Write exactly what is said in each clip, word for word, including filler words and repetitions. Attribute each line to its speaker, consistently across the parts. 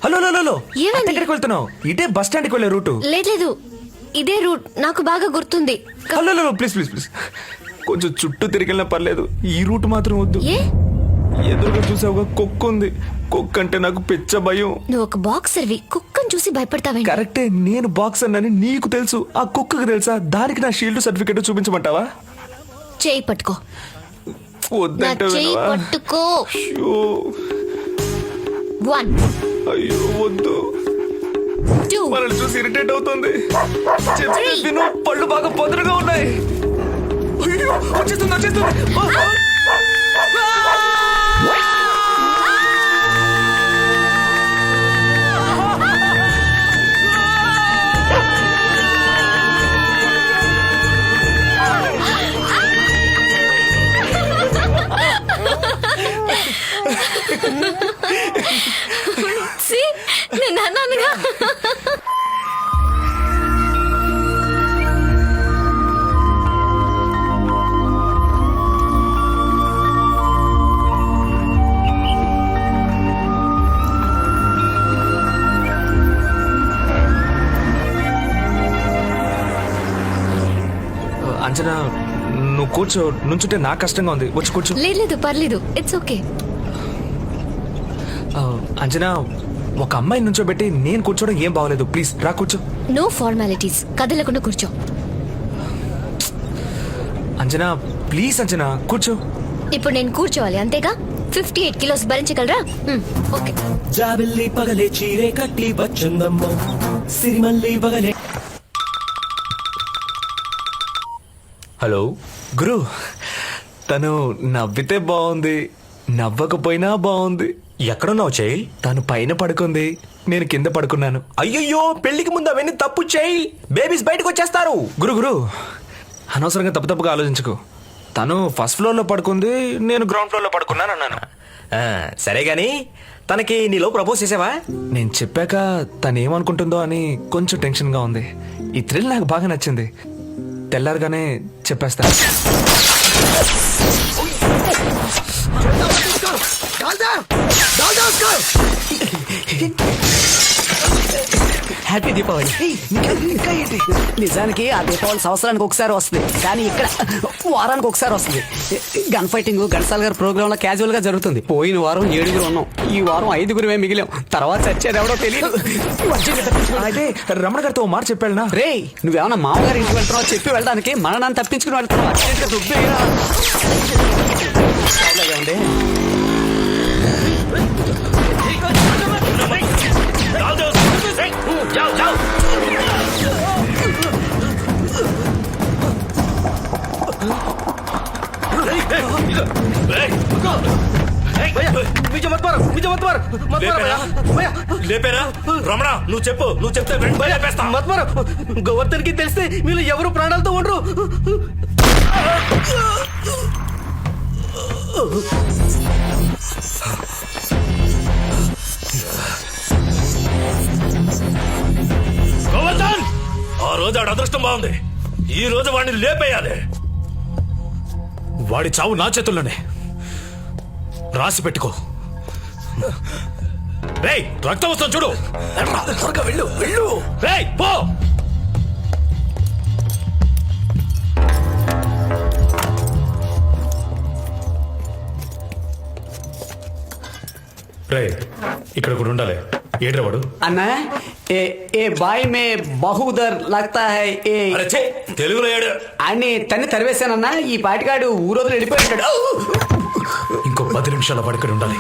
Speaker 1: Hello hello hello
Speaker 2: ఏమైంది?
Speaker 1: ఎక్కడికి వెళ్తున్నావు? ఇదే బస్ స్టాండ్ కి వెళ్ళే రూటు.
Speaker 2: లేదు లేదు ఇదే రూట్ నాకు బాగా గుర్తుంది. క-
Speaker 1: hello hello please please please కొంచెం చుట్టూ తిరిగినా పర్లేదు, ఈ రూట్ మాత్రం వద్దు.
Speaker 2: ఏ
Speaker 1: ఎదురుగా చూసావుగా కుక్క ఉంది. కుక్క అంటే నాకు పిచ్చ భయం.
Speaker 2: నువ్వు ఒక బాక్సర్వి, కుక్కను చూసి భయపడతావేంటి?
Speaker 1: కరెక్టే, నేను బాక్సర్ అని నీకు తెలుసు, ఆ కుక్కకు తెలుసా? దానికి నా షీల్డ్ సర్టిఫికెట్ చూపించమంటావా?
Speaker 2: చేయి పట్టుకో. నా
Speaker 1: వద్దంటే
Speaker 2: చేయి
Speaker 1: వినవా?
Speaker 2: పట్టుకో.
Speaker 1: అయ్యో
Speaker 2: వన్
Speaker 1: అయ్యో వద్దు,
Speaker 2: టూ
Speaker 1: మనల్ని చూసి ఇరిటేట్ అవుతుంది. చెప్పేది
Speaker 2: Three.
Speaker 1: విను, పళ్ళు బాగా పొదరుగా ఉన్నాయి. అయ్యో, వచ్చేస్తుంది వచ్చేస్తుంది. ఆ, ఆ.
Speaker 2: See? నేను అన్నానుగా.
Speaker 1: అంజనా, నువ్వు కూర్చో. నుంచుంటే నాకు కష్టంగా ఉంది. వచ్చి కూర్చో.
Speaker 2: లేదు లేదు పర్లేదు, ఇట్స్ ఓకే.
Speaker 1: ఆ, అంజనా, ఒక అమ్మాయిని నుంచోబెట్టి నేను కూర్చోవడం ఏం బాగోలేదు. ప్లీజ్ రా కూర్చో.
Speaker 2: నో ఫార్మాలిటీస్, కదలకుండా కూర్చో.
Speaker 1: అంజనా ప్లీజ్, అంజనా కూర్చో.
Speaker 2: ఇప్పుడు నేను కూర్చోవాలి అంతేగా? ఫిఫ్టీ ఎయిట్ కిలోస్ భరించగలరా? మ్, ఓకే.
Speaker 3: జాబిల్లి పగలే చీరే కట్టి బచ్చుందమ్మ సిరిమల్లి బగలే.
Speaker 1: హలో గురు, తను నవ్వితే బాగుంది, నవ్వకపోయినా బాగుంది.
Speaker 4: ఎక్కడున్నావు చెయ్యి?
Speaker 1: తను పైన పడుకుంది, నేను కింద పడుకున్నాను.
Speaker 4: అయ్యయ్యో, పెళ్లికి ముందు అవన్నీ తప్పు చేయి, బేబీస్ బయటకు వచ్చేస్తారు.
Speaker 1: గురు గురు అనవసరంగా తప్పు తప్పుగా ఆలోచించుకో. తను ఫస్ట్ ఫ్లోర్ లో పడుకుంది, నేను గ్రౌండ్ ఫ్లోర్ లో పడుకున్నాను అన్నాను.
Speaker 4: ఆ, సరే గాని తనకి నీలో ప్రపోజ్ చేసావా?
Speaker 1: నేను చెప్పాక తను ఏమనుకుంటుందో అని కొంచెం టెన్షన్ గా ఉంది. ఈ థ్రిల్ నాకు బాగా నచ్చింది. తెల్లారగానే చెప్పేస్తాను.
Speaker 5: హ్యాపీ దీపావళి. నిజానికి ఆ దీపావళి సంవత్సరానికి ఒకసారి వస్తుంది, కానీ ఇక్కడ వారానికి ఒకసారి వస్తుంది. గన్ ఫైటింగ్ ఘంటసాల గారి ప్రోగ్రామ్ లో క్యాజువల్ గా జరుగుతుంది. పోయిన వారం ఏడుగురు ఉన్నాం, ఈ వారం ఐదుగురమే మిగిలాం. తర్వాత చచ్చేది ఎవడో తెలియదు.
Speaker 1: అయితే రమణ గారితో ఓ మాట చెప్పాడునా?
Speaker 5: రే, నువ్వేమన్నా మామగారి ఇంటికి వెళ్తున్నావు చెప్పి వెళ్ళడానికి, మననాన్ని తప్పించుకుని వెళ్తున్నావు. అర్జెంట్గా దుబ్బేయరా. చాలాగా ఉంది.
Speaker 4: లేపేరా రమణ, నువ్వు చెప్పు, నువ్వు చెప్తే వెంటనే లేపేస్తా.
Speaker 3: గోవర్ధన్ కి తెలిస్తే వీళ్ళు ఎవరు ప్రాణాలతో ఉండరు.
Speaker 4: గోవర్ధన్, ఆ రోజు ఆడ అదృష్టం బాగుంది, ఈ రోజు వాడిని లేపేయాలి. వాడి చావు నా చేతుల్లోనే, రాసి పెట్టుకో. రేయ్, రక్తం వస్తుంది చూడు. త్వరగా వెళ్ళు వెళ్ళు. రేయ్ పో. రే, ఇక్కడ కూడా ఉండాలి. ఏడ్రా వాడు?
Speaker 5: అన్నా, ఏ ఏ బాయ్ మే బహుదర్ లగ్తా హై ఏ
Speaker 4: అరే ఛే, తెలుగులో ఏడు.
Speaker 5: అని తన్ని తరివేశానన్నా. ఈ పాటికాడు ఊరోజులు వెళ్ళిపోయాడు.
Speaker 4: ఇంకో పది నిమిషాల వాడు ఇక్కడ ఉండాలి.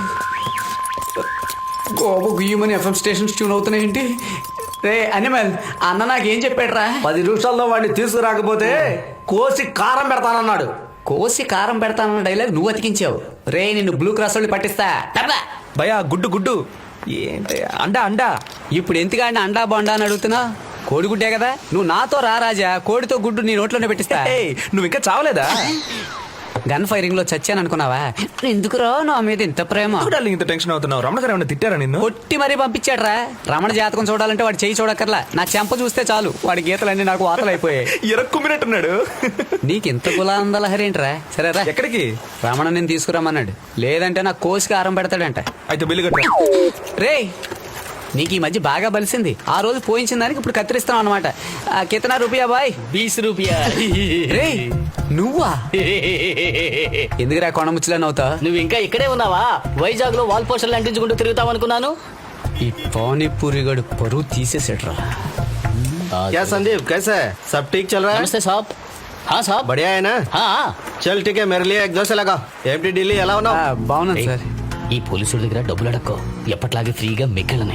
Speaker 5: గోబు గుయ్యమని ఎఫ్ఎం స్టేషన్స్ ట్యూన్ అవుతున్నాయేంటి? రే అనిమల్, అన్న నాకేం చెప్పాడు రా?
Speaker 3: పది నిమిషాల్లో వాడిని తీసుకురాకపోతే కోసి కారం పెడతానన్నాడు.
Speaker 5: కోసి కారం పెడతానన్న డైలాగ్ నువ్వు అతికించావు. రే, నిన్ను బ్లూ క్రాస్ వాళ్ళు పట్టిస్తా. టప్లా.
Speaker 1: భయా గుడ్డు గుడ్డు ఏంటి? అండా అండా.
Speaker 5: ఇప్పుడు ఎందుకంటే అండా బొండా అని అడుగుతున్నా? కోడిగుడ్డే కదా. నువ్వు నాతో రా రాజా, కోడితో గుడ్డు నీ నోట్లోనే పెట్టిస్తా.
Speaker 1: ఏయ్, నువ్వు ఇంకా చావలేదా?
Speaker 5: గన్ ఫైరింగ్ లో చచ్చాను అనుకున్నావా? ఎందుకురా నా మీద ఇంత ప్రేమ?
Speaker 1: డార్లింగ్, ఇంత టెన్షన్ అవుతున్నావు? రమణ గారు ఏమైనా తిట్టారా నిన్ను?
Speaker 5: కొట్టి మరీ పంపించాడు రా. రమణ జాతకం చూడాలంటే వాడు చెయ్యి చూడక్కర్లా, నా చెంప చూస్తే చాలు వాడి గీతలన్నీ నాకు వాతలైపోయాయి.
Speaker 1: ఎరక్కుమ్మినట్టున్నాడు.
Speaker 5: నీకు ఇంత గులాందలహరేంట్రా? సరేరా,
Speaker 1: ఎక్కడికి?
Speaker 5: రమణ నేను తీసుకురమ్మన్నాడు, లేదంటే నా కోసికి ఆరం పెడతాడంట.
Speaker 1: అయితే బిల్లు కట్టా.
Speaker 5: రే, నీకు ఈ మధ్య బాగా బలిసింది. ఆ రోజు పోయించిన దానికి ఇప్పుడు కత్తిరిస్తాం అనమాట. కితనా రూపాయా బాయ్?
Speaker 6: బీస్ రూపాయ.
Speaker 5: రే నువ్వా? ఎందుకురా కొండముచ్చులా నవ్వుతా?
Speaker 6: నువ్వు ఇంకా ఇక్కడే ఉన్నావా? వైజాగ్ లో వాల్ పోస్టర్లు అంటించుకుంటూ తిరుగుతావు అనుకున్నాను.
Speaker 5: ఈ పానీపూరి గడు పరువు తీసేసేట్రా.
Speaker 7: क्या संदीप कैसा है? सब ठीक चल रहा है?
Speaker 6: నమస్తే సాబ్. హా సాబ్.
Speaker 7: बढ़िया है ना?
Speaker 6: హా.
Speaker 7: चल ठीक है मेरे लिए एक दो से लगा. एमटी ఢిల్లీ ఎలా ఉన్నావు?
Speaker 5: ఆ, బాగున్నాను
Speaker 6: ఏయ్,
Speaker 5: సార్.
Speaker 6: ఈ పోలీసుల దగ్గర డబ్బులు అడక్కో. ఎప్పట్లాగే ఫ్రీగా మిగిలినాయి.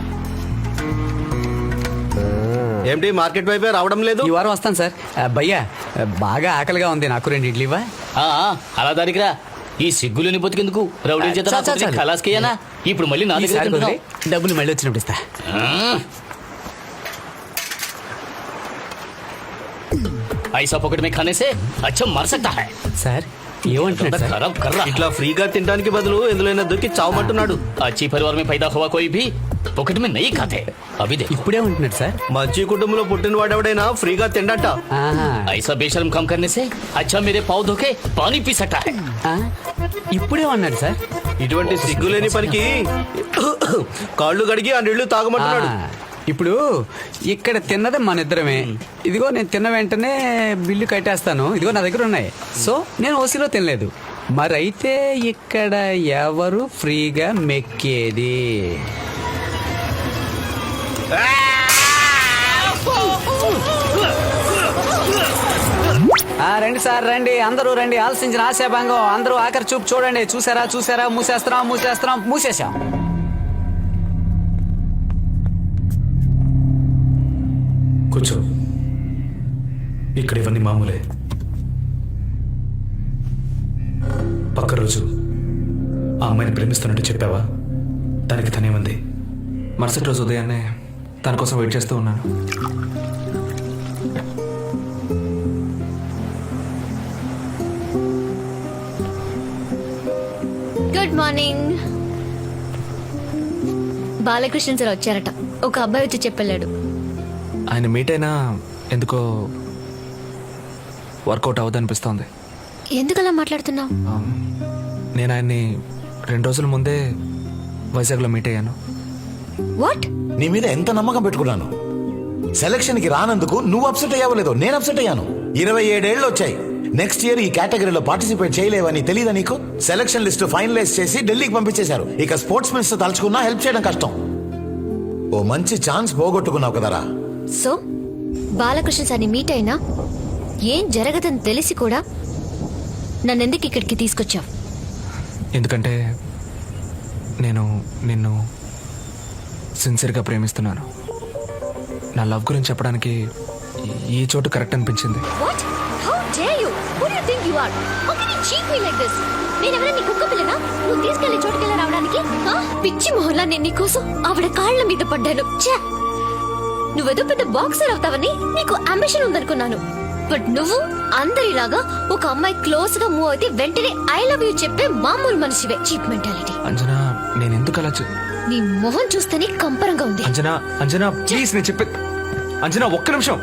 Speaker 7: ఏమిటి మార్కెట్ వైపే రావడం లేదు?
Speaker 5: ఈ వారం వస్తాను సార్. ఆ, భయ్యా బాగా ఆకలిగా ఉంది, నాకు రెండు ఇడ్లీవా?
Speaker 6: ఆ, ఆ, అలా దానికిరా. ఈ సిగ్గులని బతికెందుకు? రౌడీ చేత
Speaker 5: చాలు, చాలు, చాలు.
Speaker 6: ఖలాస్కేయనా? ఇప్పుడు మళ్ళీ నా దగ్గర
Speaker 5: ఈసారి
Speaker 6: తింటున్నావు.
Speaker 5: కుదిరి, డబ్బులు మళ్ళీ వచ్చినప్పుడు ఇస్తా.
Speaker 6: ऐसा पॉकेट में खाने से अच्छा मर सकता है.
Speaker 5: సార్ ఏమంటున్నాడు సార్?
Speaker 6: खराब कर रहा है.
Speaker 7: ఇట్లా ఫ్రీగా తినడానికి బదులు ఎందులోనే దొరికి చావమంటున్నాడు.
Speaker 6: अच्छी परिवार में पैदा हुआ कोई भी पॉकेट में नहीं खाते. अभी देखो.
Speaker 5: ఇప్పుడేమంటున్నాడు సార్?
Speaker 7: మంచి కుటుంబంలో పుట్టిన వాడెవడైనా ఫ్రీగా తిండట.
Speaker 5: ఆహా.
Speaker 6: ऐसा बेशर्म काम करने से अच्छा मेरे पाँव धो के पानी पी सकता है.
Speaker 5: ఆ, ఇప్పుడేమన్నాడు సార్?
Speaker 7: ఇటువంటి సిగ్గులేని పనికి కాళ్ళు కడిగి ఆ నీళ్లు తాగమంటున్నాడు.
Speaker 5: ఆ, ఇప్పుడు ఇక్కడ తిన్నది మన ఇద్దరమే. ఇదిగో నేను తిన్న వెంటనే బిల్లు కట్టేస్తాను. ఇదిగో నా దగ్గర ఉన్నాయి. సో నేను ఓసీలో తినలేదు. మరైతే ఇక్కడ ఎవరు ఫ్రీగా మెక్కేది? ఆ, రండి సార్ రండి, అందరూ రండి. ఆలోచించిన ఆశాభంగం. అందరూ ఆఖరి చూపు చూడండి. చూసారా చూసారా? మూసేస్తున్నాం మూసేస్తున్నాం మూసేసాం.
Speaker 8: కూర్చో. ఇక్కడ ఇవన్నీ మామూలే. పక్క రోజు ఆ అమ్మాయిని ప్రేమిస్తున్నట్టు చెప్పావా? దానికి తనేమంది?
Speaker 1: మరుసటి రోజు ఉదయాన్నే తన కోసం వెయిట్ చేస్తూ ఉన్నాను.
Speaker 2: Good morning. బాలకృష్ణ సార్ వచ్చారట. ఒక అబ్బాయి వచ్చి చెప్పెళ్ళాడు.
Speaker 1: ఆయన మీట్ అయినా ఎందుకో వర్కౌట్ అవ్వదనిపిస్తోంది.
Speaker 2: ఎందుకలా మాట్లాడుతున్నావు?
Speaker 1: నేను ఆయన్ని రెండు రోజుల ముందే వైజాగ్లో మీట్ అయ్యాను.
Speaker 2: వాట్?
Speaker 9: నీ మీద ఎంత నమ్మకం పెట్టుకున్నాను. సెలక్షన్ కి రానందుకు నువ్వు అప్సెట్ అయ్యావలేదో నేను అప్సెట్ అయ్యాను. ఇరవై ఏడేళ్లు వచ్చాయి. నెక్స్ట్ ఇయర్ ఈ కేటగిరీలో పార్టిసిపేట్ చేయలేవని తెలియదా నీకు? సెలక్షన్ లిస్ట్ ఫైనలైజ్ చేసి ఢిల్లీకి పంపించేశారు. ఇక స్పోర్ట్స్ మినిస్టర్ తలుచుకున్నా హెల్ప్ చేయడం కష్టం. ఓ మంచి ఛాన్స్ పోగొట్టుకున్నావు కదరా.
Speaker 2: సో బాలకృష్ణ సార్ని మీట్ అయినా ఏం జరగదని తెలిసి కూడా నన్నెందుకు ఇక్కడికి తీసుకొచ్చావు?
Speaker 1: ఎందుకంటే నేను నిన్ను సిన్సియర్గా ప్రేమిస్తున్నాను. నా లవ్ గురించి చెప్పడానికి ఈ చోటు కరెక్ట్ అనిపించింది.
Speaker 2: What? How dare you? Who do you think you are? How can you cheat me like this? నేను ఎవరైనా నీ కుక్క పిల్లనా? నువ్వు తీసుకెళ్లే చోటుకెళ్ళి రావడానికి? ఆ? పిచ్చి మొహల్లా నేను నీకోసం ఆవిడ కాళ్ళ మీద పడ్డాను. ఛే! నువ్వేదో పెద్ద బాక్సర్ అవుతావని నీకు అంబిషన్ ఉందనుకున్నాను. బట్ నువ్వు అందరిలాగా ఒక అమ్మాయి క్లోజ్ గా మూవ్ అయితే వెంటనే ఐ లవ్ యూ చెప్పే మామూలు మనిషివే. Cheap mentality.
Speaker 1: అంజనా, నేను ఎందుకు అలా చే-
Speaker 2: నీ మొహం చూస్తేనే కంపరంగా ఉంది.
Speaker 1: అంజనా, అంజనా ప్లీజ్, నేను చెప్పే అంజనా ఒక్క నిమిషం.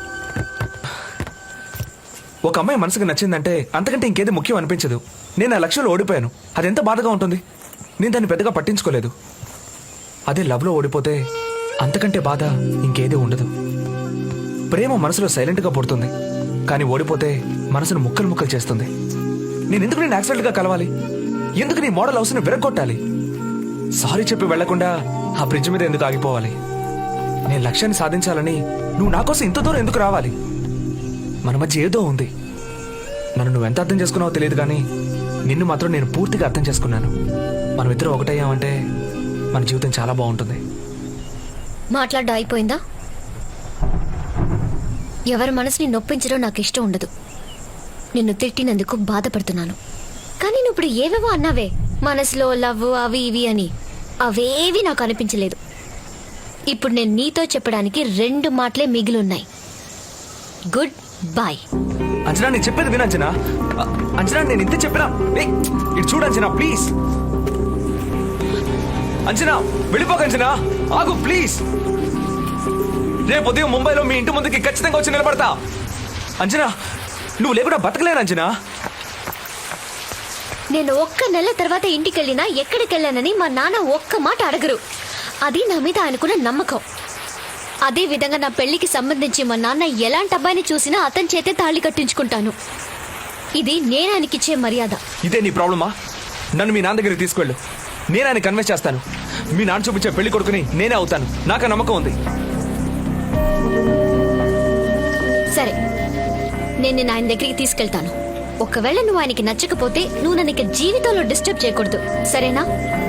Speaker 1: ఒక అమ్మాయి మనసుకు నచ్చిందంటే అంతకంటే ఇంకేది ముఖ్యం అనిపించదు. నేను ఆ లక్ష్యంలో ఓడిపోయాను. అది ఎంత బాధగా ఉంటుంది. నేను దాన్ని పెద్దగా పట్టించుకోలేదు. అదే లవ్లో ఓడిపోతే అంతకంటే బాధ ఇంకేది ఉండదు. ప్రేమ మనసులో సైలెంట్గా పుడుతుంది, కానీ ఓడిపోతే మనసును ముక్కలు ముక్కలు చేస్తుంది. నేను ఎందుకు నేను యాక్సిడెంట్గా కలవాలి? ఎందుకు నీ మోడల్ హౌస్ని విరగొట్టాలి? సారీ చెప్పి వెళ్లకుండా ఆ బ్రిడ్జ్ మీద ఎందుకు ఆగిపోవాలి? నేను లక్ష్యాన్ని సాధించాలని నువ్వు నా కోసం ఇంత దూరం ఎందుకు రావాలి? మన మధ్య ఏదో ఉంది. నన్ను నువ్వు ఎంత అర్థం చేసుకున్నావో తెలియదు, కానీ నిన్ను మాత్రం నేను పూర్తిగా అర్థం చేసుకున్నాను. మనం ఇద్దరం ఒకటయ్యామంటే మన జీవితం చాలా బాగుంటుంది.
Speaker 2: మాట్లాడడం అయిపోయిందా? ఎవరి మనసుని నొప్పించడం నాకు ఇష్టం ఉండదు. నిన్ను తిట్టినందుకు బాధపడుతున్నాను. కానీ నువ్వు ఇప్పుడు ఏవేవో అన్నావే, మనసులో లవ్ అవి ఇవి అని, అవేవి నాకు అనిపించలేదు. ఇప్పుడు నేను నీతో చెప్పడానికి రెండు మాటలే మిగిలిన్నాయి. Good bye.
Speaker 1: అంజనా, నేను చెప్పేది విను అంజనా. అ- అంజనా, నేను ఇంత చెప్పినా ఏయ్, ఇటు చూడు అంజనా, ప్లీజ్. అంజనా, వెళ్ళిపోక అంజనా, ఆగు ప్లీజ్. రేపు ఉదయం ముంబైలో మీ ఇంటి ముందుకి ఖచ్చితంగా వచ్చి నిలబడతా. అంజనా, నువ్వు లేకుండా బతకలేను అంజనా.
Speaker 2: నేను ఒక్క నెల తర్వాత ఇంటికి వెళ్ళినా ఎక్కడికి వెళ్ళానని మా నాన్న ఒక్క మాట అడగరు. అది నా మీద ఆయనకున్న నమ్మకం. అదే విధంగా నా పెళ్లికి సంబంధించి మా నాన్న ఎలాంటి అబ్బాయిని చూసినా అతని చేతే తాళి కట్టించుకుంటాను. ఇది నేను ఆయనకిచ్చే మర్యాద.
Speaker 1: ఇదే నీ ప్రాబ్లమా? నన్ను మీ నాన్న దగ్గరికి తీసుకెళ్ళు, నేను ఆయన కన్విన్స్ చేస్తాను. మీ నాన్న చూపించే పెళ్లి కొడుకుని నేనే అవుతాను, నాకు ఆ నమ్మకం ఉంది.
Speaker 2: సరే, నేను నిన్ను ఆయన దగ్గరికి తీసుకెళ్తాను. ఒకవేళ నువ్వు ఆయనకి నచ్చకపోతే నువ్వు నన్ను ఇక జీవితంలో డిస్టర్బ్ చేయకూడదు, సరేనా?